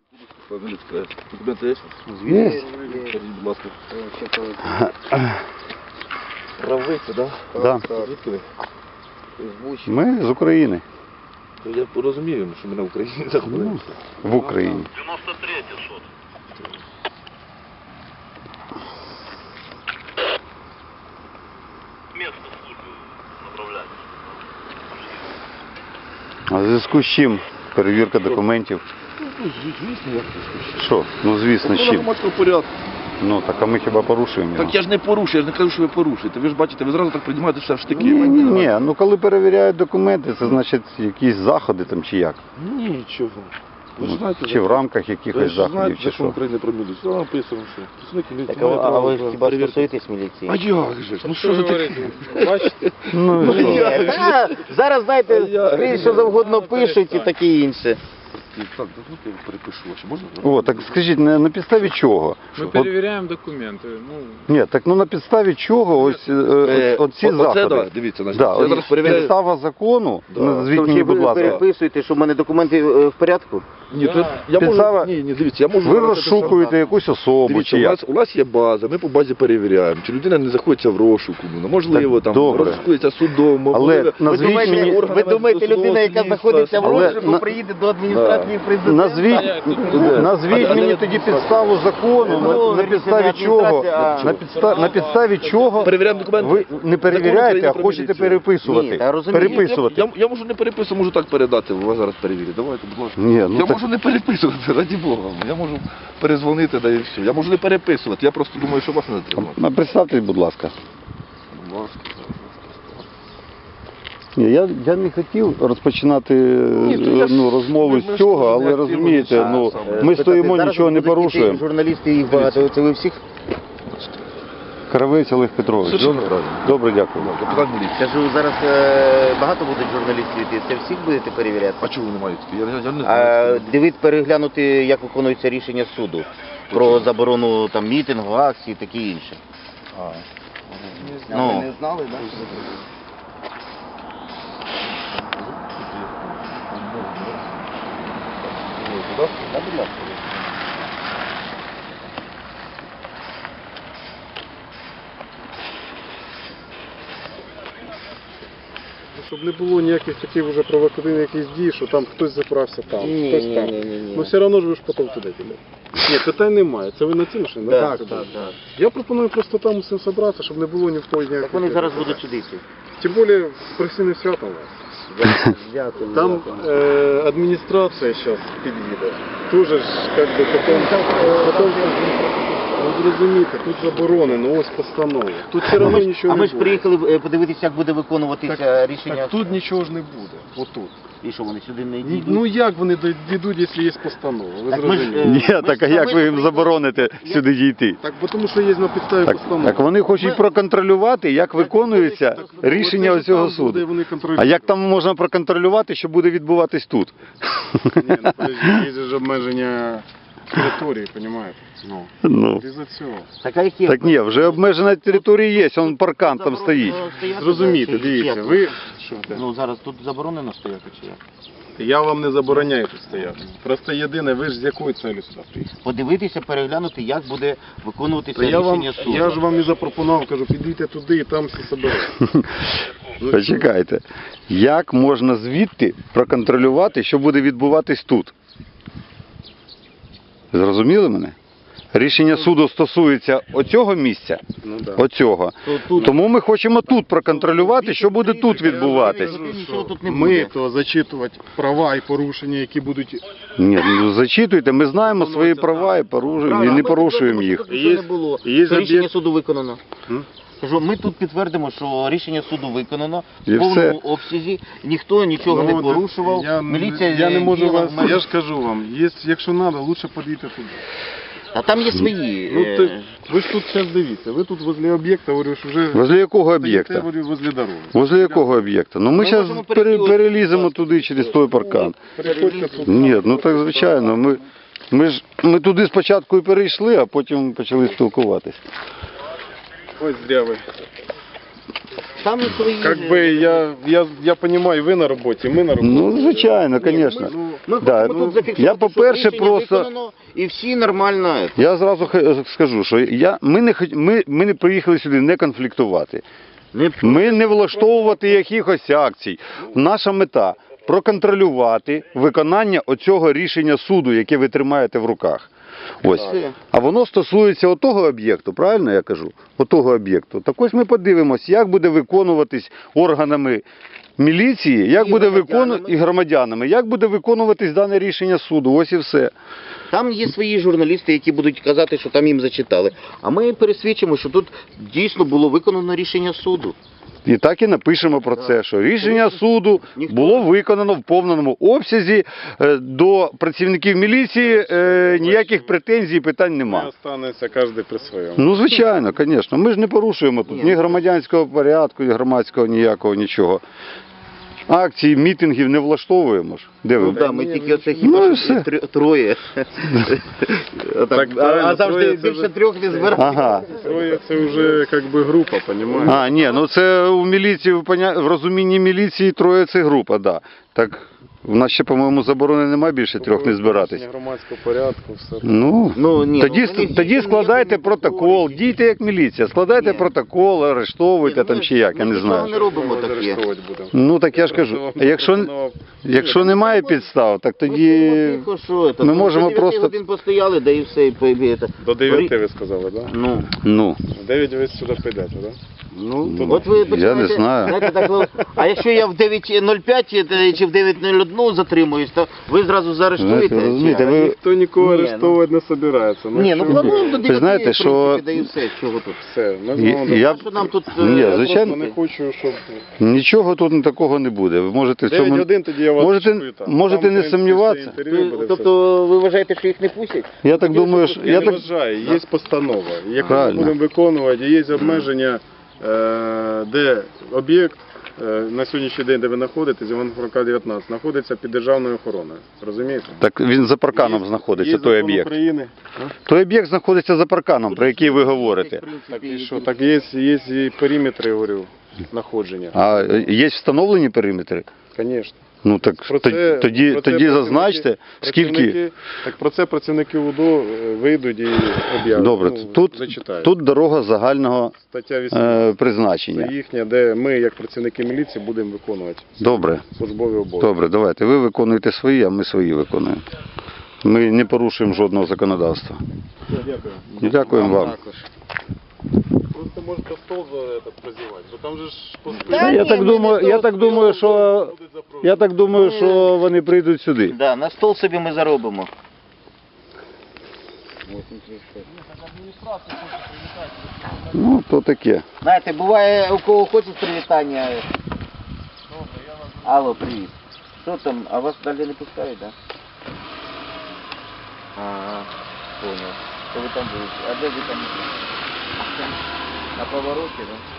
Документи є? Є. Скажіть, будь ласка. Правиця, так? Да. Звідки ви? Ми з України. То я розумію, що ми на Україні знаходимося. В Україні. 93-й сот. Место службы направляется. А в зв'язку з чим перевірка документів? Ну, звісно, як це скажу. Що? Ну звісно, з чим? Громадського порядку. Ну так, а ми хіба порушуємо його? Так я ж не порушую, я ж не кажу, що ви порушуєте. Ви ж бачите, ви зразу так приймаєте все в штики. Ні, ну коли перевіряють документи, це значить якісь заходи там чи як? Нічого. Ви ж Ну, знаєте, чи в рамках ви якихось ж заходів, знаєте, чи закон що? України про міліцію. Там написано, що працівники міліції Так, мають а право ви на хіба перевірку. стосуєтесь міліції? А як же ж? Ну що за таке? Бачите? Ну і що? Зараз, знаєте, А я- скрізь що завгодно пишуть і таке інше. Так, дозвольте, я перепишу ваші. Можна? О, так скажіть, на підставі чого? Ми От, перевіряємо документи. Ну, ні, так ну на підставі чого ось оці Оце, заходи? да, дивіться, значить, Да, я ось зараз перевіряю. підстава закону, Да. назвіть Тому мені, що будь ви ласка. переписуєте, що в мене документи в порядку? Ні, то я Підстава- можу, ні, дивіться, я можу... Ви зараз це розшукуєте якусь особу Дивіться, чи як? у нас є база, ми по базі перевіряємо, чи людина не знаходиться в розшуку, ну, можливо, Так, там добре. розшукується судом, можливо, назвіть мені- Ви думаєте, людина, яка знаходиться в Але розшуку, на- приїде до адміністрації президента? Назвіть мені тоді підставу закону, Ну, на підставі чого, адміністрація, на підставі чого перевіряємо документи. ви не перевіряєте, а Закон України хочете про міліцію. Ні, переписувати. та розумію. Переписувати. Я можу не переписувати, можу так передати, вас зараз перевірять. Давайте, будь ласка. Ні, ну я так- можу не переписувати, раді Бога. Я можу перезвонити, да і все. Я можу не переписувати, я просто думаю, що вас не затримати. А представте, будь ласка. Будь ласка. Ні, я не хотів розпочинати то я ж- розмову ми з ж цього, теж не але активно розумієте, нічого ну саме. ми стоїмо, Зараз нічого не будуть йти порушуємо. Журналісти, їх багато. Це ви всіх? Кравець Олег Петрович. Совершенно Добре, правильно. добре, дякую. Капітан міліції. Кажу, зараз багато будуть журналістів йти. Це всіх будете перевіряти? А чого ви не маєте? Я не А знаю. дивіться, переглянути, як виконується рішення суду про заборону там мітингу, акцій і таке інше. Ну, Не знали, так? Щоб не було ніяких таких вже провокативних якихось дій, що там хтось заправся там, Ні, хтось ні, там. ні, ні, ні. Ну все одно ж ви ж потім туди підете. Ні, питань немає. Це ви на ці машини? Так, Так, так, так. Я пропоную просто там усім зібратися, щоб не було ні в кого ніяких. Так вони зараз будуть сюди йти. Тим більше професійне свято у вас. Дякую. Там адміністрація зараз під'їде. Тоже ж, як би, потім ви зрозумієте, тут заборонено, ось постанова. Тут все одно нічого А не ми ж буде. приїхали подивитися, як буде виконуватися рішення. Так тут нічого ж не буде, отут. І що, вони сюди не йдуть? Ну як вони дійдуть, якщо є постанова? Ви Так ми ж, зрозуміли? Ні, так а як ви їм забороните сюди дійти? Так, бо тому що є на підставі Так, постанови. так вони хочуть проконтролювати, як виконується рішення Оце цього там буде, суду. вони А контролюють. як там можна проконтролювати, що буде відбуватись тут? Ні, ну подожди, є ж обмеження території, розумієте? Ну. Із-за цього. Так, а які? Так ні, вже обмежена територія є, он паркан там стоїть. Зрозумійте, дивіться, ви... Що це? Ну зараз тут заборонено стояти чи як? Я вам не забороняю тут стояти. Просто єдине, ви ж з якою целью сюди приїхали? Подивитися, переглянути, як буде виконуватися То рішення суду. я ж вам і запропонував, кажу, підійте туди і там всі соберете. Почекайте, як можна звідти проконтролювати, що буде відбуватись тут? Зрозуміли мене? Рішення суду стосується оцього місця, Ну, да. оцього. Тому ми хочемо тут проконтролювати, що буде тут відбуватись. Нічого тут не Ми буде. то зачитувати права і порушення, які будуть... Ні, ну зачитуйте, ми знаємо свої права і порушуємо, і не порушуємо їх. Тут нічого не було. є Що рішення об'єкт- суду виконано. М? Кажу, ми тут підтвердимо, що рішення суду виконано І в повному все. обсязі, ніхто нічого Ну, не порушував, міліція я не можу діяла вас... в межах. Я ж кажу вам, якщо треба, лучше підійти туди. А там є свої. Ну, ви ж тут зараз дивіться, ви тут возле об'єкта, говорю, що вже... Возле якого стоїте, об'єкта? говорю, возле дороги. Возле якого об'єкта? Ну ми Ми зараз можемо перейти переліземо туди через той паркан. Переходьте тут. Ні, ну так звичайно. Ми туди спочатку і перейшли, а потім почали спілкуватись. Ось зря ви. Там і свої... Как бы я понимаю, ви на роботі, ми на роботі. Ну, звичайно, звісно. Ми Да, хочемо тут зафіксувати, я, по-перше, що рішення просто- виконано, і всі нормально. Я зразу скажу, що ми не приїхали сюди не конфліктувати. Ми не влаштовувати якихось акцій. Наша мета – проконтролювати виконання оцього рішення суду, яке ви тримаєте в руках. Ось. А воно стосується отого об'єкту, правильно я кажу? Отого об'єкту. Так ось ми подивимось, як буде виконуватись органами міліції, як буде і громадянами, як буде виконуватись дане рішення суду. Ось і все. Там є свої журналісти, які будуть казати, що там їм зачитали. А ми пересвідчимо, що тут дійсно було виконано рішення суду. І так і напишемо про це, що рішення суду було виконано в повному обсязі, до працівників міліції ніяких претензій і питань Ми немає. останемося кожен при своєму. Ну, звичайно, звісно. Ми ж не порушуємо тут ні громадянського порядку, ні громадського ніякого, нічого. Акції, мітингів не влаштовуємо ж. Де ви? Ну так, ми тільки оце Ну, хіба і що все. троє. Так, А правильно, завжди троє це більше вже- трьох не збирають. Ага. Троє це вже как би група, понімаєш? А, ні, ну це у міліції, в розумінні міліції троє це група, да. Так, в нас ще, по-моєму, заборони немає більше трьох не збиратись. Порушення громадського порядку, все. Ну, Ну, ні, тоді, ну, вони тоді ніякого складайте не протокол, повторюють. дійте як міліція, складайте Ні. протокол, арештовуйте там чи як, я не Ми нічого не знаю. робимо Ми таке. арештовувати будемо. Ну так я ж кажу, якщо немає підстав, так тоді Тихо, що це? ми Ну, можемо до 9 просто... годин постояли, да і все. До 9 ви сказали, так? Ну, Ну, В 9 ви сюди прийдете, так? от ви я починаєте, не знаю. знаєте, так, а якщо я в 9.05 чи в 9.01 затримуюсь, то ви зразу заарештуєте? Знаєте, розумієте, ви- Ніхто нікого Ні, арештовувати не збирається. Ні, ну що плануємо до 9, знаєте, в що- принципі, да і все, чого тут. Все, ми з Я- вами я- А що нам тут... Ні, Я звичайно. просто не хочу, щоб... Нічого тут такого не буде. Ви можете в 9 цьому... годин тоді я вас Можете- чую там. можете Там, не в принципі, сумніватися. все інтерв'ю буде, все. Тобто ви вважаєте, що їх не пустять? Я так думаю, що... Я Я не так... вважаю, є постанова, яку ми Правильно. будемо виконувати, і є обмеження, де об'єкт на сьогоднішній день, де ви знаходитесь, Івана Франка 19, знаходиться під державною охороною. Розумієте? Так він за парканом знаходиться, Є той закон об'єкт. України. Той об'єкт знаходиться за парканом, про який ви говорите. Так і що? Так є і периметри, я говорю, знаходження. А є встановлені периметри? Звісно. Ну так Про це- тоді про це зазначте, скільки... працівники- Так про це працівники УДО вийдуть і об'являть. Добре, Ну, зачитають. тут дорога загального Стаття 18. Це призначення. їхня, де ми, як працівники міліції, будемо виконувати Добре, службові обов'язки. добре, давайте. Ви виконуєте свої, а ми свої виконуємо. Ми не порушуємо жодного законодавства. Дякую. Дякуємо вам. Просто можете стол за это прозівати, бо там же ж Та Я ні, так ми думаю, не я так думаю, що вони прийдуть сюди. Да, на стол собі ми заробимо. Ну, то таке. Знаєте, буває, у кого хочуть привітання. Алло, привіт. Що там, а вас далі не пускають, так? Да? Ага, понял. Що ви там будете? А де ви там? На повороті, так? Да?